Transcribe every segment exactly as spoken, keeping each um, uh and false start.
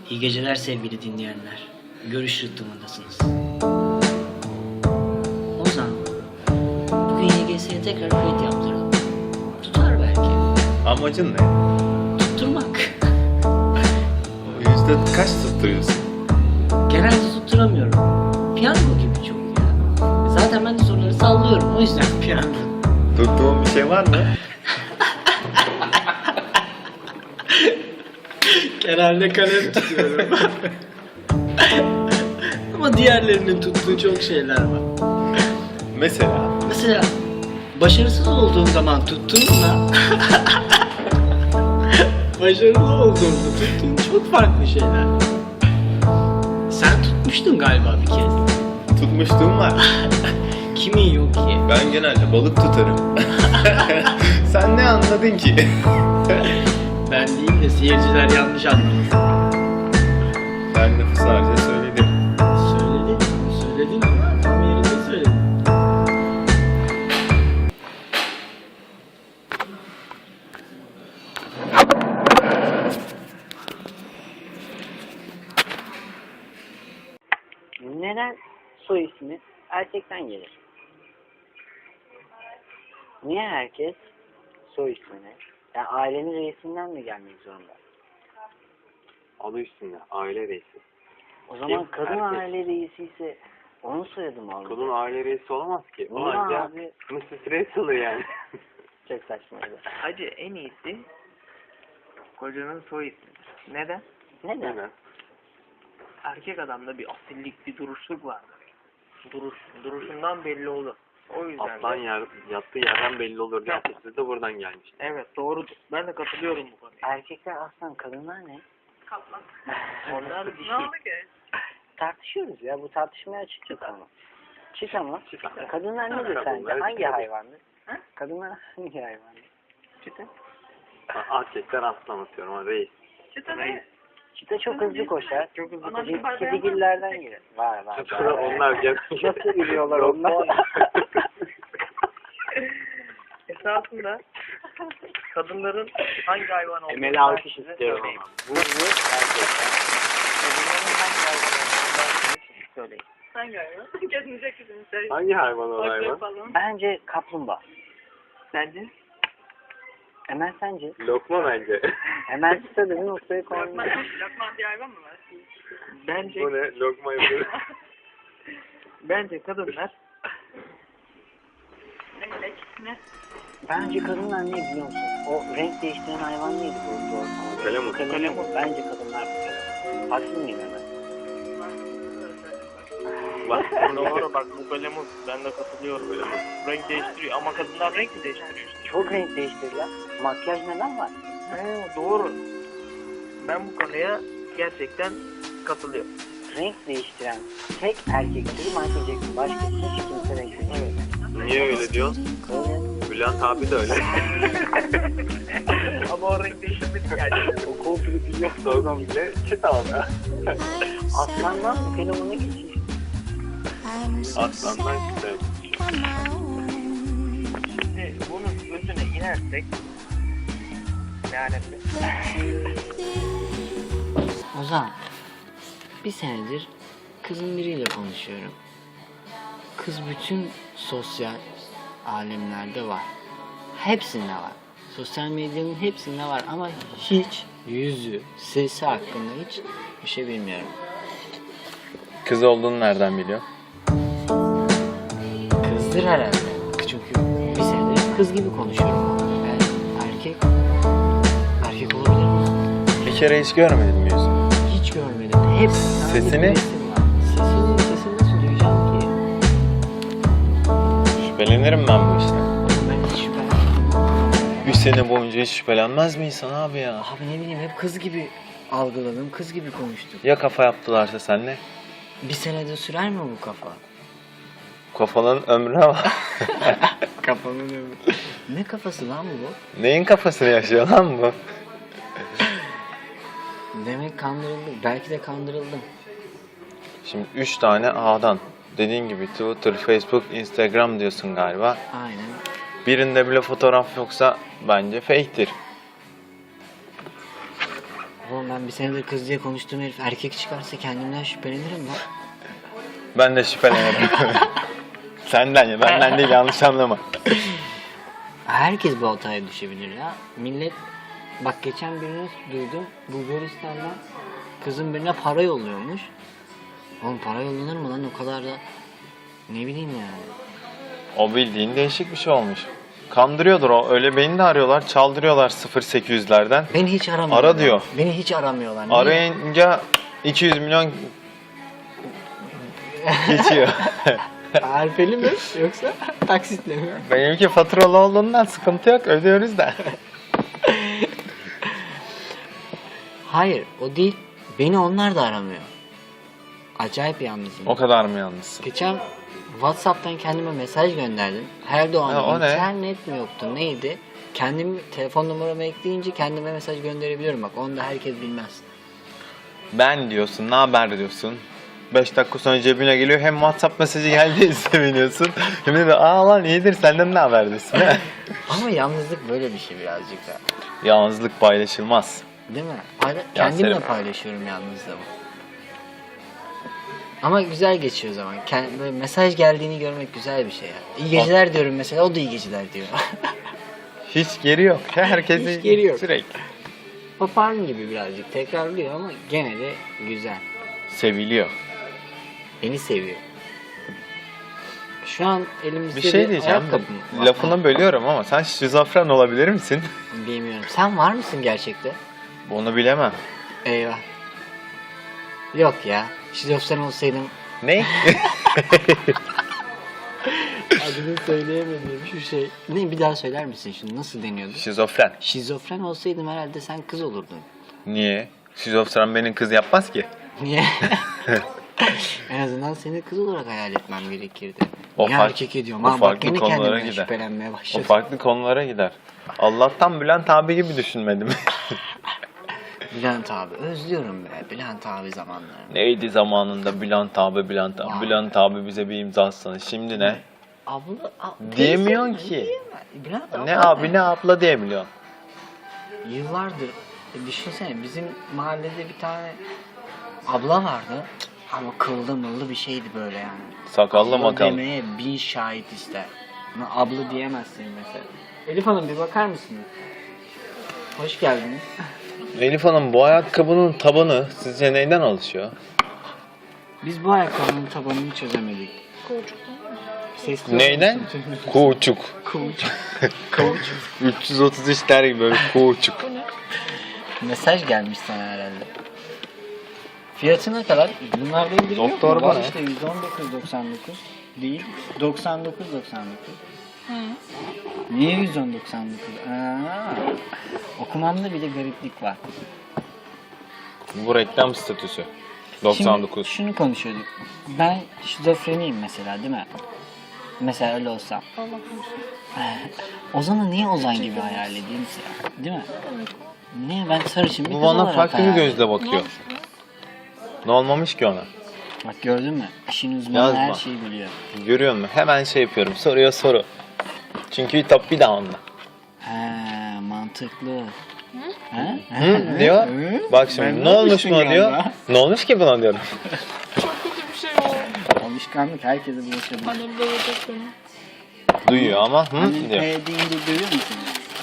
İyi geceler sevgili dinleyenler. Görüş rıhtımındasınız. Ozan, bugün Y G S'ye tekrar kayıt yaptıralım. Tutar belki. Amacın ne? Tutturmak. O yüzde kaç tutturuyorsun? Genelde tutturamıyorum. Piyango gibi çok ya. Zaten ben de soruları sallıyorum. O yüzden piyango. Tuttuğun bir şey var mı? Genelde kalem tutuyorum. Ama diğerlerinin tuttuğu çok şeyler var. Mesela? Mesela başarısız olduğum zaman tuttuğumla başarılı olduğumda tuttuğum çok farklı şeyler. Sen tutmuştun galiba bir kez. Tutmuşluğum var. Kimin yok ki? Ben genelde balık tutarım. Sen ne anladın ki? Ben değil de seyirciler yanlış anlamış. Ben lafı sadece söyledim. Söyledin, söyledin ama tam yerinde söyledin. Neden soy ismi erkekten gelir? Niye herkes soy ismini, yani ailenin reisinden mi gelmek zorunda? Adı üstünde, aile reisi. O zaman Kim? kadın Erkek. aile reisi ise onun soyadı mı olmalı? Kadın aile reisi olamaz ki. O Niye ancak abi? missus Reis olur yani. Çok saçmaydı. Hacı en iyisi kocanın soy ismidir. Neden? Neden? Neden? Erkek adamda bir asillik, bir duruşluk vardır. Duruş, duruşundan belli olur. O yüzden Aslan de- yer, yattığı yerden belli olur diye atasözü de buradan gelmiş. Evet doğrudur. Ben de katılıyorum bu konuya. Erkekler aslan, kadınlar ne? Onlar bir şey. Tartışıyoruz ya, bu tartışmaya açık ama. Çık ama. Çık ama. Kadınlar nedir Kadınlar sence? Hangi çıkıyor. hayvandır? Kadınlar hangi hayvandır? Çıtı. Erkekler aslan atıyorum ama reis. Reis. Çita çok hızlı koşar. Çok hızlı Kedi- koşar. Kedigillerden gelir. Var var. var, var. Onlar gel. Nasıl biliyorlar onlar? Esasında kadınların hangi hayvan olduğunu Emel ben alkış size istiyorum söyleyeyim. ama. Bu bu erkekler. Kadınların hangi hayvan olduğunu ben size söyleyeyim. Hangi hayvan? Kendinize kızını söyle. Hangi hayvan o Bak hayvan? yapalım. Bence kaplumbağa. Sence? Emel sence? Lokma bence. Emel istediğin noktaya Lokman, koymuş. Lokman diye hayvan mı var? Bence Bu ne? Lokma yapıyor. bence kadınlar Ne melek? Ne? Bence kadınlar ne biliyor musun? O renk değiştiren hayvan neydi bu? Doğru. Kalemut. Kalemut. Bence kadınlar bu kadar. Haksız mıyım Emel? Bak. doğru bak bu kalemut ben de katılıyorum. Renk değiştiriyor ama kadınlar renk mi değiştiriyor işte? Çok renk değiştirirler. Makyaj neden var? He, doğru. Ben bu konuya gerçekten katılıyorum. Renk değiştiren tek erkek türü Michael Jackson. Başka hiç kimse renk değiştirmiyor. Niye öyle diyorsun? Öyle. Bülent abi de öyle. Ama o renk değiştirmedi yani. O komple biliyor. Sorgun bile çit aldı. Aslandan bu fenomene geçiyor. Aslandan çıktı. Şimdi bunun özüne inersek yani Ozan, bir senedir kızın biriyle konuşuyorum. Kız bütün sosyal alemlerde var. Hepsinde var. Sosyal medyanın hepsinde var ama hiç yüzü, sesi hakkında hiç bir şey bilmiyorum. Kız olduğunu nereden biliyor? Kızdır herhalde. Çünkü bir senedir kız gibi konuşuyorum. Ben erkek, erkek olabilir mi? Bir kere hiç görmedin mi yüzünü? Hiç görmedim. Hep Sesini? bir resim var. Sesini, sesini nasıl duyacağım ki? Şüphelenirim ben bu işten. Oğlum ben hiç şüphelenmedim. Bir sene boyunca hiç şüphelenmez mi insan abi ya? Abi ne bileyim hep kız gibi algıladım, kız gibi konuştum. Ya kafa yaptılarsa senle? Bir senede sürer mi bu kafa? Kafanın ömrüne bak. Kafanın ömrü. Ne kafası lan bu? Neyin kafasını yaşıyor lan bu? Demek kandırıldım. Belki de kandırıldım. Şimdi üç tane A'dan. Dediğin gibi Twitter, Facebook, Instagram diyorsun galiba. Aynen. Birinde bile fotoğraf yoksa bence fake'tir. Oğlum ben bir senedir kız diye konuştuğum herif erkek çıkarsa kendimden şüphelenirim lan. Ben de şüphelenirim. Senden ya, benden değil, yanlış anlama. Herkes bu hataya düşebilir ya. Millet, bak geçen birini duydum. Bulgaristan'dan kızın birine para yolluyormuş. Oğlum para yollanır mı lan o kadar da? Ne bileyim yani. O bildiğin değişik bir şey olmuş. Kandırıyordur o. Öyle beni de arıyorlar, çaldırıyorlar sıfır sekiz yüzlerden. Beni hiç aramıyorlar. Ara diyor. Beni hiç aramıyorlar. Niye? Arayınca iki yüz milyon geçiyor. Harfeli mi yoksa taksitle mi? Benimki faturalı olduğundan sıkıntı yok, ödüyoruz da. Hayır o değil. Beni onlar da aramıyor. Acayip yalnızım. O kadar mı yalnız? Geçen WhatsApp'tan kendime mesaj gönderdim. Her doğan Ha, o ne? internet mi yoktu neydi? Kendim telefon numaramı ekleyince kendime mesaj gönderebiliyorum bak. Onu da herkes bilmez. Ben diyorsun, ne haber diyorsun. beş dakika sonra cebine geliyor, hem WhatsApp mesajı geldiği seviniyorsun. Hem de aa lan iyidir, senden ne haber diyorsun. Ama yalnızlık böyle bir şey birazcık da. Yalnızlık paylaşılmaz. Değil mi? Payla- kendimle Selim. paylaşıyorum yalnızlığımı. Ama güzel geçiyor zaman. Kend- böyle mesaj geldiğini görmek güzel bir şey ya. İyi geceler diyorum mesela, o da iyi geceler diyor. Hiç geri yok. Herkesi Hiç geri yok. sürekli. Papağan gibi birazcık tekrarlıyor ama gene de güzel. Seviliyor. Beni seviyor. Şu an elimizde Bir şey diyeceğim. ayakkabı var. Lafını bölüyorum ama sen şizofren olabilir misin? Bilmiyorum. Sen var mısın gerçekte? Onu bilemem. Eyvah. Yok ya. Şizofren olsaydım Ne? adını söyleyemediğim şu şey. Ne, bir daha söyler misin şunu? Nasıl deniyordu? Şizofren. Şizofren olsaydım herhalde sen kız olurdun. Niye? Şizofren benim kız yapmaz ki. Niye? En azından seni kız olarak hayal etmem gerekirdi. O Niye fark- erkek ediyorum? o Ha, bak farklı yine konulara kendimden gider. şüphelenmeye O başladım. farklı konulara gider. Allah'tan Bülent abi gibi düşünmedim. Bülent abi. Özlüyorum be. Bülent abi zamanlarını. Neydi zamanında Bülent abi, Bülent abi. Vay. Bülent abi bize bir imza atsana. Şimdi ne? Abla, a- Diyemiyorsun teyze- ki. diyemem. Bülent Ne abla abi ne abla diyebiliyorsun. Yıllardır e, düşünsene bizim mahallede bir tane abla vardı ama kıllı mıllı bir şeydi böyle yani. Sakallı Abla makallı. demeye bin şahit ister. Ama abla diyemezsin mesela. Elif Hanım bir bakar mısınız? Hoş geldiniz. Elif Hanım, bu ayakkabının tabanı sizce neyden oluşuyor? Biz bu ayakkabının tabanını çözemedik. Sesli Neyden? olmasın. Kuğuçuk. Kauçuk. Kauçuk. üç yüz otuz üç der gibi böyle kuğuçuk. Mesaj gelmiş sana herhalde. Fiyatı ne kadar? Bunlarda indirim yok Doktor mu? bu Var ne? işte yüz on dokuz doksan dokuz değil. doksan dokuz doksan dokuz. Niye yüz on doksan dokuz? Aa, okumamda bir de gariplik var. Bu reklam statüsü. doksan dokuz. Şimdi şunu konuşuyorduk. Ben şizofreniyim mesela değil mi? Mesela öyle olsam. Ozan'ı niye Ozan gibi hayal edeyim ki? Değil mi? Niye ben sarışın bir Bu kız bana olarak farklı bir hayal gözle ediyorum. bakıyor. Ne olmamış ki ona? Bak gördün mü? İşin uzmanı Yazma. her şeyi biliyor. Görüyor musun? Hemen şey yapıyorum. Soruyor soru. Çünkü top bir daha onda. He mantıklı. He? Hı, diyor. Hı? Bak şimdi Ben ne olmuş olmuşsun buna diyor. galiba. Ne olmuş ki buna diyorum. Çok kötü bir şey oldu. Alışkanlık herkese bulaşabilir. Annem dövecek beni. Duyuyor ama hı Annen diyor. P deyince duyuyor musun?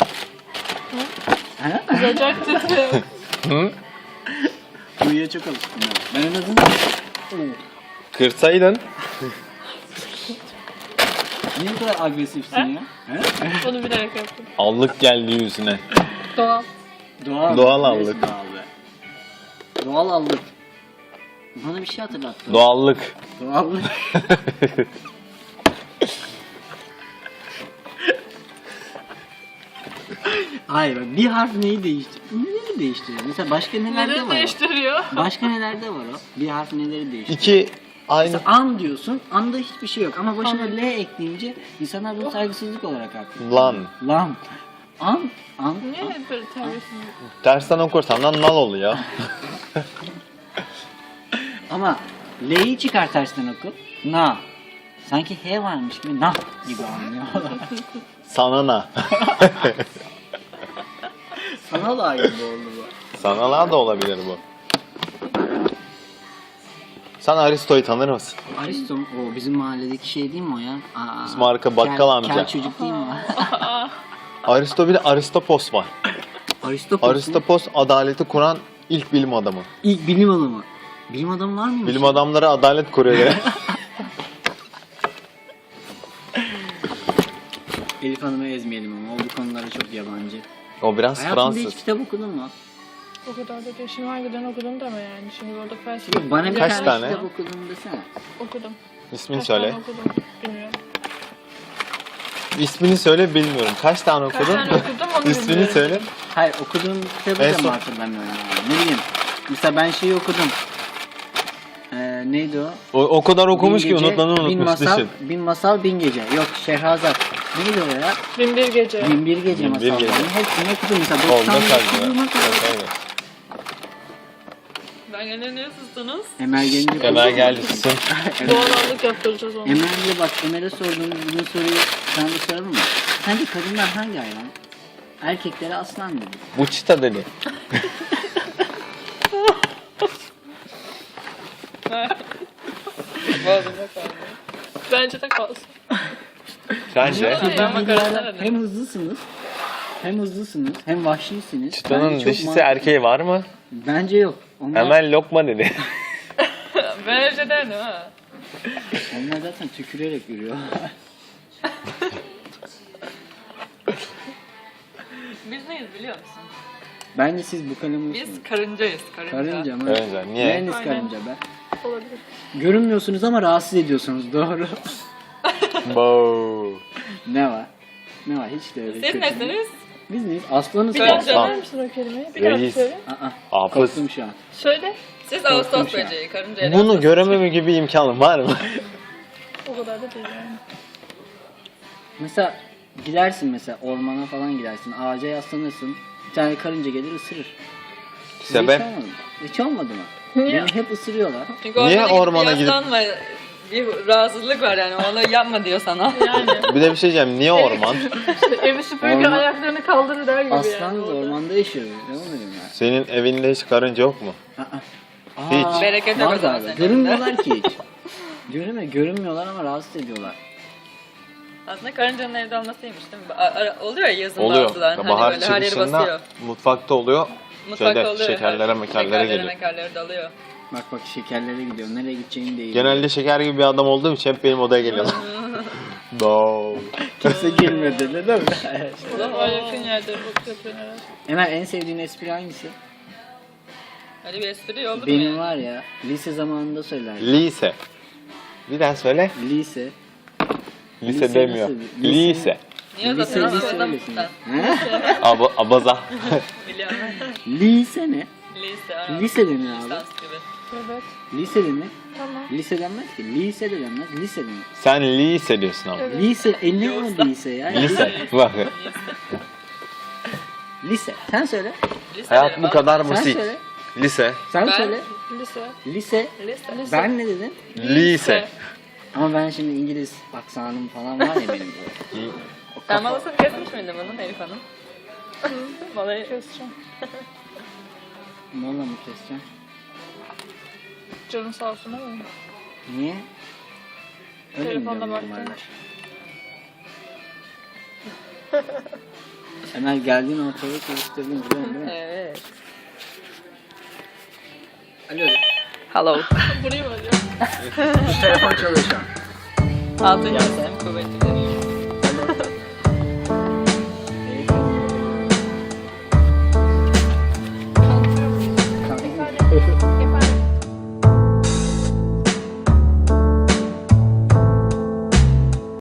He? Kızacak dedi. Hı? Duyuya çok alışkın. Ben en azından... Kırsaydın. Niye bu kadar agresifsin ya? He? Onu bilerek yaptım. Allık geldi yüzüne. Doğal. Doğal. Doğal Neresi allık. Doğal be? Doğal allık. Bana bir şey hatırlattı. Doğallık. Doğallık. Hayır bak bir harf neyi değiştir? Neleri değiştiriyor? Mesela başka nelerde Neden var o? değiştiriyor? Başka nelerde var o? Bir harf neleri değiştiriyor? İki aynı. Mesela an diyorsun, anda hiçbir şey yok ama başına L ekleyince insanlar bunu saygısızlık olarak aklıyor. Lan. Lan. An, an, Niye an. hep böyle terbiyesiz? Tersten okursan da nal oluyor. Ama L'yi çıkar tersten oku. Na. Sanki H varmış gibi na gibi anlıyorlar. Sana na. Sana da aynı oldu bu. Sanalar da olabilir bu. Sen Aristo'yu tanır mısın? Aristo mu? O bizim mahalledeki şey değil mi o ya? Aa, Bizim arka bakkal kel- amca. Kel çocuk değil mi o? Aristo bir de Aristopos var. Aristopos mu? Aristopos adaleti kuran ilk bilim adamı. İlk bilim adamı. Bilim adamı var mıymış? Bilim adamları adalet kuruyor ya. Elif Hanım'ı ezmeyelim ama o bu konulara çok yabancı. O biraz Hayatında Fransız. hiç kitap okudun mu? O kadar da değil. Şimdi harbiden okudum deme yani. Şimdi orada felsefe Bana bir Kaç tane, tane? kitap okudum desene. okudum. İsmini Kaç söyle. tane okudum bilmiyorum. İsmini söyle bilmiyorum. Kaç tane Kaç okudun? tane okudum onu İsmini bilmiyorum. söyle. Hayır okuduğum kitabı En da son- mı hatırlamıyorum yani. Ne bileyim. Mesela ben şeyi okudum. Ee, neydi o? O, o kadar okumuş Bin ki Gece, unutmanı Bin unutmuş. masal, Düşün. bin masal, bin gece. Yok Şehrazat. Neydi o ya? Bin bir gece. Bin bir gece Bin bir masallarını. gece. Hepsini okudum mesela. Oldu doksan kaldı. okuduğuma kadar. Ben gene niye sustunuz? Emel gelince Emel geldi susun. Doğalallık yaptıracağız onu. Emel'e bak Emel'e sorduğumuz bu soruyu sana da soralım mı? Sence kadınlar hangi hayvan? Erkeklere aslan dedi. Bu çita dedi. Bence de kalsın. Sence? Ama Hem, karakter hem hızlısınız, hem hızlısınız, hem vahşisiniz. Çıtanın Bence çok dişisi mantıklı. erkeği var mı? Bence yok. Onlar, Hemen lokma dedi. Bence de ne ha? onlar zaten tükürerek yürüyor. Biz neyiz biliyor musun? Bence siz bu kalemi Biz karıncayız, karınca. Karınca mı? Karınca, niye? Neyiniz Aynen. karınca be? Olabilir. Görünmüyorsunuz ama rahatsız ediyorsunuz. Doğru. Bo. Ne var? Ne var? Hiç de öyle. Siz kötü. nesiniz? Biz neyiz? Aslanız. Bir mı? daha Aslan. Söyler misin o kelimeyi? Bir daha Reis. söyle. Aa, Hafız. korktum şu an. Söyle. Siz Korktum Ağustos şu an. böceği, karınca. Bunu görememe gibi imkanım var mı? O kadar da değil yani. Mesela gidersin mesela ormana falan gidersin. Ağaca yaslanırsın. Bir tane karınca gelir ısırır. Size Sebep? Hiç olmadı mı? Hiç olmadı mı? Niye? Beni hep ısırıyorlar. Çünkü Niye ormana ormana gidip gidip- yaslanma, bir rahatsızlık var yani onu yapma diyor sana. Yani. Bir de bir şey diyeceğim. Niye orman? İşte evi süpürge Orman- ayaklarını kaldırır der gibi Aslan yani. da orada. ormanda yaşıyor. Ne oluyor ya? Senin evinde hiç karınca yok mu? Aa, Hiç. Bereket yok var o zaman galiba. senin Görünmüyorlar ki hiç. Görünmüyor, görünmüyorlar ama rahatsız ediyorlar. Aslında karıncanın evde olmasıymış değil mi? A- ara- oluyor ya yazın Oluyor. bazıları. Hani Bahar böyle her yeri basıyor. çıkışında mutfakta oluyor. Mutfakta Şeyde, oluyor. şekerlere, her- mekerlere şekerlere, geliyor. mekerlere dalıyor. Bak bak şekerlere gidiyor. Nereye gideceğini değil. Genelde şeker gibi bir adam olduğum için hep benim odaya geliyorlar. No. kimse girmedi değil mi? Daha yakın yerde bu yapıyorsun herhalde. Emel en sevdiğin espri hangisi? Hadi bir espri oldu mu Benim yani? var ya lise zamanında söylerdim. Lise. Bir daha söyle. Lise. Lise, Lise demiyor. nasıl? Lise. Lise. Niye Lise uzatıyorsun? lise Adam öylesin. sen. He? Aba, abaza. Biliyorum. Lise ne? Lise. aynen. Lise denir abi. Lisans gibi. Evet. Lise denir. Tamam. Lise denmez ki. Lise de denmez. Lise denir. Sen lise diyorsun ama. Evet. Lise. E ne o lise ya? Lise. Bak. Lise. Sen söyle. Lise Hayat derim bu abi. kadar Sen basit. söyle. Lise. Sen Ben- söyle. Lise. Lise. Lise. Lise. Ben ne dedim? Lise. Ama ben şimdi İngiliz aksanım falan var ya benim. böyle. O Sen kafa- malasını kesmiş miydin bunun Elif Hanım? Malayı Keseceğim. Mola mı keseceğim? Canın sağ olsun ama. Niye? Öyle mi Telefonda diyorum baktım. normalde? Emel geldiğin ortalığı karıştırdın biliyorsun değil mi? Evet. Alo. Hello. Burayı mı arıyor? Telefon çalıyor şu an. Altın yazım kuvvetlidir.